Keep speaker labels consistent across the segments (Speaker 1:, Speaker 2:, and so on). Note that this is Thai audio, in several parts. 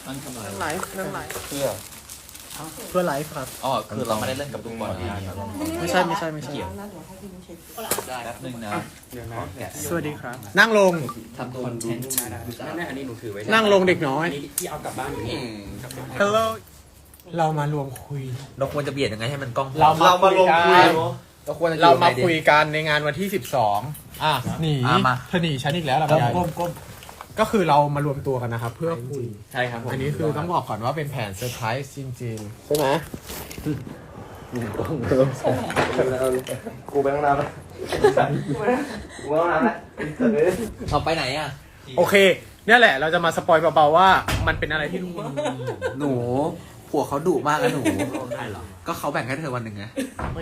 Speaker 1: นั่งทำอะไร
Speaker 2: ไลฟ์นั่งไลฟ์
Speaker 1: เพื่อ
Speaker 2: เพื่อไลฟ์ครับ
Speaker 1: อ๋อคือเราไม่ได้เล่นกับลูกบอลนะ
Speaker 2: ไม่ใช่
Speaker 1: เกี่ยวได้แป๊บนึงนะ
Speaker 2: สวัสดีครับ นั่งลง
Speaker 1: ทำคอนเทนต์
Speaker 3: แม่อันนี้หนูถือไว้
Speaker 2: นั่งลงเด็กน้อย
Speaker 3: อันนี้ที่เอากลับบ้านอยู่นี่
Speaker 2: Hello เรามารวมคุย
Speaker 4: เราควรจะเบียดยังไงให้มันกล้อง
Speaker 2: เรามาลงคุย
Speaker 4: เราควรจะ
Speaker 2: เรามาคุยกันในงานวันที่ 12หนี
Speaker 4: มา
Speaker 2: เธอหนีฉันอีกแล้วล่ะ
Speaker 4: ก้ม
Speaker 2: ก็คือเรามารวมตัวกันนะครับ เพื่อคุย
Speaker 3: ใช่ครับผม
Speaker 2: อันนี้คือต้องบอกก่อนว่าเป็นแผนเซอร์ไพรส์จริงๆใช่ไหม
Speaker 3: กูไปห้องน้ำแล้วกูไปห้องน้ำแล้ว
Speaker 4: เอาไปไหนอ่ะ
Speaker 2: โอเค เนี่ยแหละเราจะมาสปอยเบาๆว่ามันเป็นอะไรที่ทุกคน
Speaker 4: หนูผัวเขาดุมากนะหนูก็เขาแบ่งให้เธอวันหนึ่งไง
Speaker 2: ไม่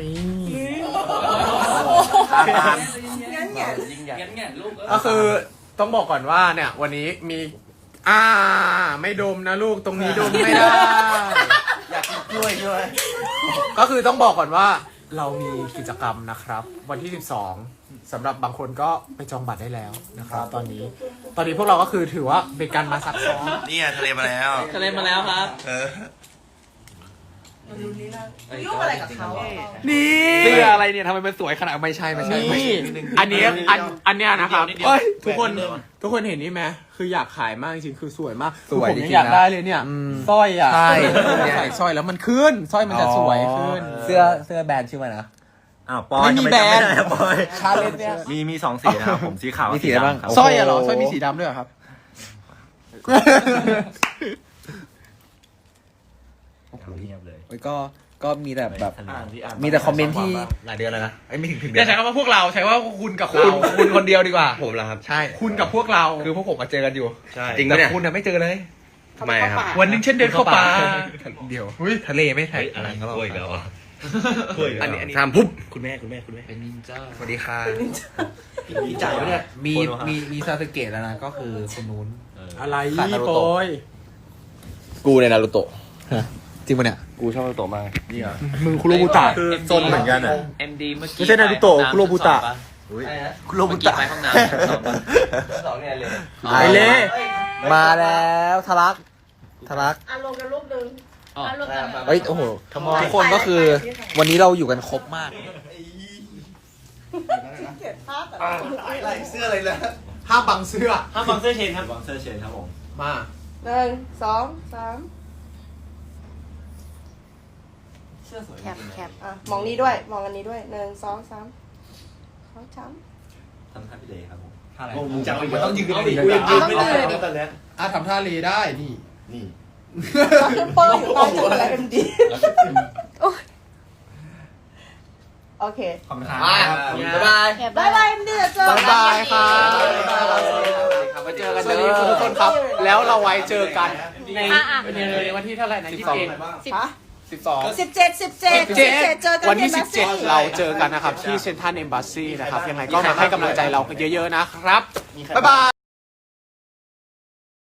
Speaker 1: ยิ่งใหญ่ลูก
Speaker 2: ก็คือต้องบอกก่อนว่าเนี่ย วันนี้มีไม่ดมนะลูกตรงนี้ดมไม่ได้
Speaker 1: อยากกินกล้วยด้วย
Speaker 2: ก็คือต้องบอกก่อนว่าเรามีกิจกรรมนะครับ วันที่ 12สำหรับบางคนก็ไปจองบัตรได้แล้วนะครับ ตอนนี้พวกเราก็คือถือว่าเป็นการมาซักซ้อม
Speaker 5: เนี่ยทะเลมาแล้ว
Speaker 4: ทะเลมาแล้วครับ
Speaker 5: เออ
Speaker 6: ยุ่งอะไรกับเขา
Speaker 2: นี่
Speaker 4: เสื้ออะไรเนี่ยทำไมมันสวยขนาดไม่ใช่
Speaker 2: นี่อันเนี้ยนะครับเอ้ยทุกคนเห็นนี่ไหมคืออยากขายมากจริงๆคือสวยมาก
Speaker 4: สวย
Speaker 2: ผม
Speaker 4: จริ
Speaker 2: ยัง
Speaker 4: งๆ
Speaker 2: อยาก
Speaker 4: นะ
Speaker 2: ได้เลยเนี่ยสร้อยอ่ะ
Speaker 4: ใช่
Speaker 2: ใส่สร้อยแล้วมันขึ้นสร้อยมันจะสวยขึ้น
Speaker 4: เสื้อแบรนด์ชื่อว่านะ
Speaker 5: อ้าวปอย
Speaker 2: ไม่มีแบรนด์
Speaker 5: ทำไมจำไม่ได้อะปอย
Speaker 2: ชาเลนจ์เนี่ย
Speaker 5: มีสองสีนะครับผมสีขาว
Speaker 4: มีสีอะไรบ้าง
Speaker 5: ดำคบ
Speaker 2: สร้อยอะเหรอสร้อยมีสีดำด้วยเหรอครับ
Speaker 5: เงียบเลย
Speaker 4: ก็มีแต่แบบ
Speaker 5: อ่านที่อ่าน
Speaker 4: มีแต่คอมเมนต์ที่หลายเดือนแล้วนะไม่ถึง
Speaker 2: อย่าใช้คำว่าพวกเราใช้ว่าคุณกับเรา
Speaker 4: คุณคนเดียวดีกว่า
Speaker 5: ผมเหรอครับ
Speaker 4: ใช่
Speaker 2: คุณกับพวกเรา
Speaker 4: คือพวกผมมาเจอกันอยู่
Speaker 5: ใช่
Speaker 4: จริงปะเนี่ยคุณน่ะไม่เจอเลย
Speaker 5: ทำไมครับ
Speaker 2: วันหนึงเช่นเดินเข้าป่า
Speaker 4: เดียวทะเลไม่ใช่
Speaker 5: อะไร
Speaker 4: ก็
Speaker 5: กล้วยอีกแล้วอ่ะ
Speaker 4: อันนี้ทำปุ๊บ
Speaker 5: คุณแม่
Speaker 4: เป็นนินจาสวัสดีค่ะ
Speaker 5: พี่จ่ายเนี่ย
Speaker 4: มีซาสึเกะแล้วนะก็คือคนนู้น
Speaker 2: อะไร
Speaker 4: ขาดนารู
Speaker 2: โป
Speaker 4: โตะ
Speaker 2: ย
Speaker 4: กูในนารูโตะจริงปะเนี่ย
Speaker 5: กูชอบโตมาก
Speaker 2: มึงคุโรบุตะ
Speaker 1: คือ
Speaker 5: โซนเหมือนกันอะ
Speaker 1: MD เมื่อกี้
Speaker 2: ไม่ใช่นารูโตะคุโรบุตะ
Speaker 1: คุโรบุตะไปห้องน้ำ
Speaker 5: สองเนี่ยเลย
Speaker 2: ไอเล่
Speaker 4: มาแล้วทะลัก
Speaker 6: อ่ะลงกันรูปนึงอ่ะลงกัน
Speaker 4: เฮ้ยโอ้โหทุกคนก็คือ วันนี้เราอยู่กันครบมาก
Speaker 6: เกลียดภาพแต่
Speaker 5: อะไรเสื้ออะไรนะ
Speaker 2: ห้ามบังเสื้อ
Speaker 5: ห้ามบังเสื้อเชนครับบังเสื้อเชนครับผม
Speaker 2: มา
Speaker 6: 1 2 3
Speaker 5: เสื้อสวย
Speaker 6: แคปอ่ะมองนี้ด้วยมองอันนี้ด้วย1 2 3เขาช้
Speaker 5: ทำท่าพี่เลครับผม
Speaker 4: อะไร
Speaker 5: มึงจับมันต้องยืน
Speaker 4: ดิ
Speaker 5: กูยังยืนไม่ได้นะตอนเนี้ย
Speaker 2: ทำท่าเลได้นี่
Speaker 5: นี่
Speaker 6: ำเปิ้ลอยู่ใต้จุดแล้ว MD โอเค
Speaker 4: ขอบคุณครับบ๊ายบาย
Speaker 6: บายบาย MD เจอกัน
Speaker 2: บ๊ายบายครับ
Speaker 4: ไว้เจอกัน
Speaker 2: สวัสดีทุกคนครับ แล้วเราไว้เจอกันในวันที่เท่าไหร่นะ21
Speaker 6: ฮะ
Speaker 2: 12
Speaker 6: 17เจอกัน
Speaker 2: วันที่
Speaker 6: ใน Embassy
Speaker 2: 17 เราเจอกันนะครับ ที่เซ็นทรัลเอมบาซีนะครับ ยังไงก็มาให้กำลังใจเรากันเยอะๆนะครับ บ๊ายบาย